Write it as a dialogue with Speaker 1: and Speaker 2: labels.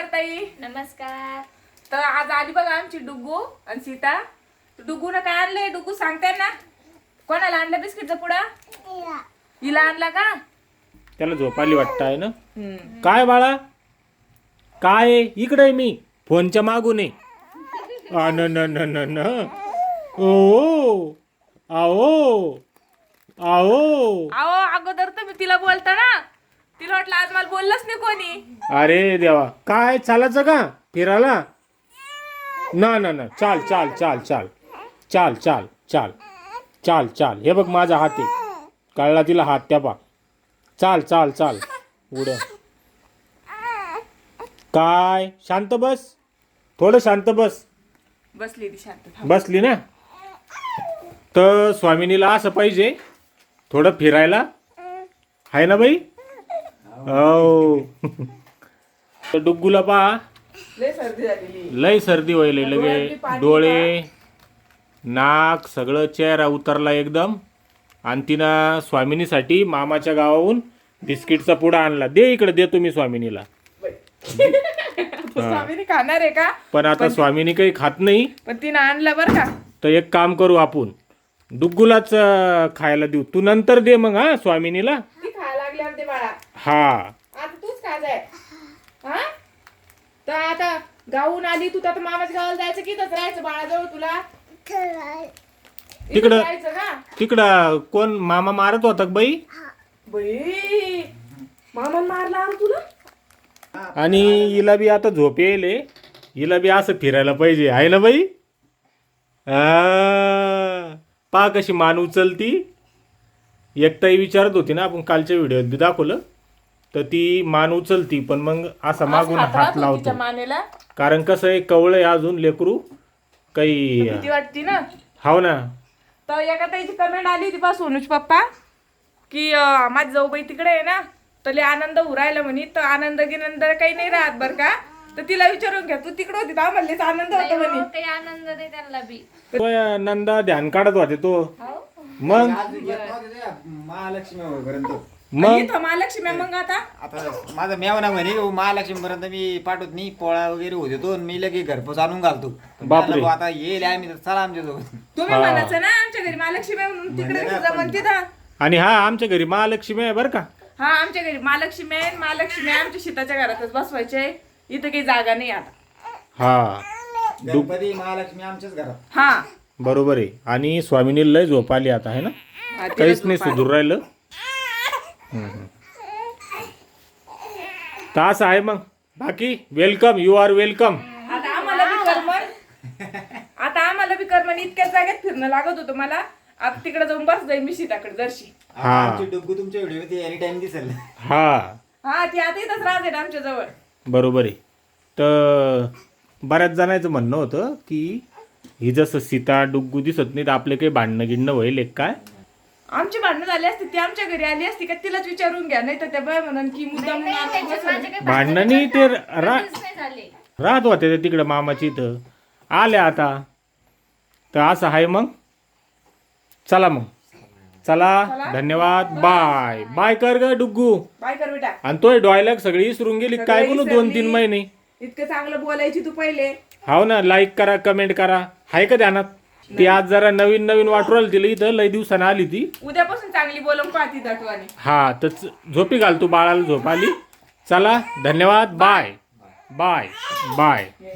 Speaker 1: ताई.
Speaker 2: नमस्कार.
Speaker 1: तर आज आली बघा आमची डुग्गू आणि सीता. डुग्गूनं काय आणलंय? डुग्गू सांगते ना. कोणाला आणलं बिस्किटचा पुडा? हिला आणला का?
Speaker 3: त्याला झोप आली वाटतं आहे ना. काय बाळा काय आहे? इकडे आहे मी फोनच्या मागून आहे. न ओ आओ आओ.
Speaker 1: अहो अगोदर तुम्ही तिला बोलता ना. तिला वाटलं आज मला बोललंच नाही कोणी.
Speaker 3: अरे देवा काय चालायचं का फिरायला? ना ना ना चाल चाल चाल चाल चाल चाल चाल चाल चाल. हे बघ माझा हात आहे. कळला तिला हात त्या पा. चाल चाल चाल उड्या. काय शांत बस. थोडं शांत बस.
Speaker 1: बसली ती शांत. थांब.
Speaker 3: बसली ना. तर स्वामिनीला असं पाहिजे थोडं फिरायला आहे ना बाई. हो. तर डुग्गूला पहा
Speaker 1: लय सर्दी झालेली.
Speaker 3: लय सर्दी व्हायला लगे. डोळे नाक सगळं चेहरा उतरला एकदम. आणि तिनं स्वामिनीसाठी मामाच्या गावाहून बिस्किटचा पुडा आणला. दे इकडे दे तुम्ही स्वामिनीला.
Speaker 1: स्वामीने खाणार आहे का?
Speaker 3: पण आता स्वामिनी काही खात नाही.
Speaker 1: पण तिनं आणलं बरं का.
Speaker 3: तर एक काम करू आपण डुग्गूलाच खायला देऊ. तू नंतर दे मग हा स्वामिनीला.
Speaker 1: ती खायला लागली आमचे बाळा.
Speaker 3: हा
Speaker 1: आता तूच खा जाय. हा तर आता गावून आली तू तर आता मामाच्या गावाला जायचं की इथंच राहायचं बाळाजवळ तुला?
Speaker 3: तिकडं-
Speaker 1: इथंच राहायचं का?
Speaker 3: तिकडं कोण मामा मारत होता का बाई?
Speaker 1: बाई मामा मारला आम तुला?
Speaker 3: आणि हिला बी आता झोप येईल. हिला बी असं फिरायला पाहिजे आहे ना बाई. पा कशी मान उचलती. एकताई विचारत होती ना आपण कालच्या व्हिडिओत बी दाखवलं. तर ती मान उचलती पण मग असा मागून हात
Speaker 1: तिच्या
Speaker 3: लावतो.
Speaker 1: मानेला
Speaker 3: कारण कसं आहे कवळं आहे अजून लेकरू काही.
Speaker 1: भीती वाटती ना.
Speaker 3: हाव ना.
Speaker 1: तर एका ताईची कमेंट आली होती पा सोनूच पप्पा की माझी जाऊबाई तिकडे आहे ना तर लय आनंद उरायला म्हणे. तर आनंद गिनंद काही नाही राहत बर का. तर तिला विचारून घ्या तू तिकडे होती तर आम्हाला लयच आनंद होता म्हणे.
Speaker 2: काही आनंद नाही त्यांना बी.
Speaker 3: तो नंदा ध्यान काढत होते तो. मग
Speaker 4: महालक्ष्मी पर्यंत
Speaker 3: मग
Speaker 1: इथं महालक्ष्मी मग आता
Speaker 4: आता माझा मेवना म्हणे महालक्ष्मी पर्यंत मी पाठवत नाही. पोळा वगैरे होते तो मी लगे घरपोच आणून घालतो. पण
Speaker 3: बापरे.
Speaker 4: म्हणलं, आता येईल आम्ही तर चला आमच्या सोबत.
Speaker 1: तुम्ही
Speaker 3: हा.
Speaker 1: म्हणायचं ना आमच्या घरी महालक्ष्मी आहे म्हणून तिकडे
Speaker 4: म्हणलं ना
Speaker 1: कसं जमन
Speaker 4: पण.
Speaker 1: तिथं.
Speaker 3: आणि हा आमच्या घरी महालक्ष्मी आहे बरं का.
Speaker 1: हा आमच्या घरी महालक्ष्मी आहे. महालक्ष्मी आमच्या शेताच्या घरातच बसवायचे. इथं काही जागा नाही आता.
Speaker 3: हा
Speaker 4: गणपती महालक्ष्मी आमच्याच घरात.
Speaker 1: हा
Speaker 3: बरोबर आहे. आणि स्वामिनी लय झोप आली आता आहे ना.
Speaker 1: हा, तिला
Speaker 3: काहीच नाही
Speaker 1: झोप आली.
Speaker 3: सुधूर राहिलं. तर असं आहे मग. बाकी वेलकम. You R welcome.
Speaker 1: आता आम्हाला बी करमन इतक्या जागेत फिरणं लागत होतं मला. आता तिकडे जाऊन बस जाईल मी सीताकडे जरशी.
Speaker 3: हा.
Speaker 4: आमची डुग्गू तुमच्या व्हिडिओ मध्ये एनी टाइम दिसेल.
Speaker 3: हा
Speaker 1: हा ती आता इथंच राहते ना आमच्या जवळ.
Speaker 3: बरोबर आहे. तर बऱ्याच जणांचं म्हणणं होतं की ही जसं सीता डुग्गू दिसत नाही तर आपले काही भांडणं गिणणं होईल एक काय.
Speaker 1: आमची भांडणं झाली असती ती आमच्या घरी आली असती का तिलाच विचारून घ्या. नाही तर त्या बाय म्हणून की मुद्दाम
Speaker 2: त्याच्यात माझे काही
Speaker 3: भांडणांनी ते
Speaker 2: कधीच नाही झाले.
Speaker 3: राहत होते ते तिकडं मामाची इथं आल्या आता. तर असं आहे मग. चला मग चला धन्यवाद. बाय बाय कर ग डुग्गू.
Speaker 1: बाय कर बेटा.
Speaker 3: आणि तोय डॉयलॉग सगळी विसरून गेली काय
Speaker 1: सगळी
Speaker 3: बोलू 2-3
Speaker 1: विसरली.
Speaker 3: महिने.
Speaker 1: इतकं चांगलं बोलायची तू पहिले.
Speaker 3: हाव ना. लाईक करा कमेंट करा. हाय का ध्यानात. ती आज जरा नवीन नवीन वाटू राहिली तिला इथं लय दिवसानं आली ती.
Speaker 1: उद्यापासून चांगली बोलून पाहती दटवाने.
Speaker 3: हा तर झोपी घाल तू बाळाला. झोप आली. चला धन्यवाद. Bye bye bye.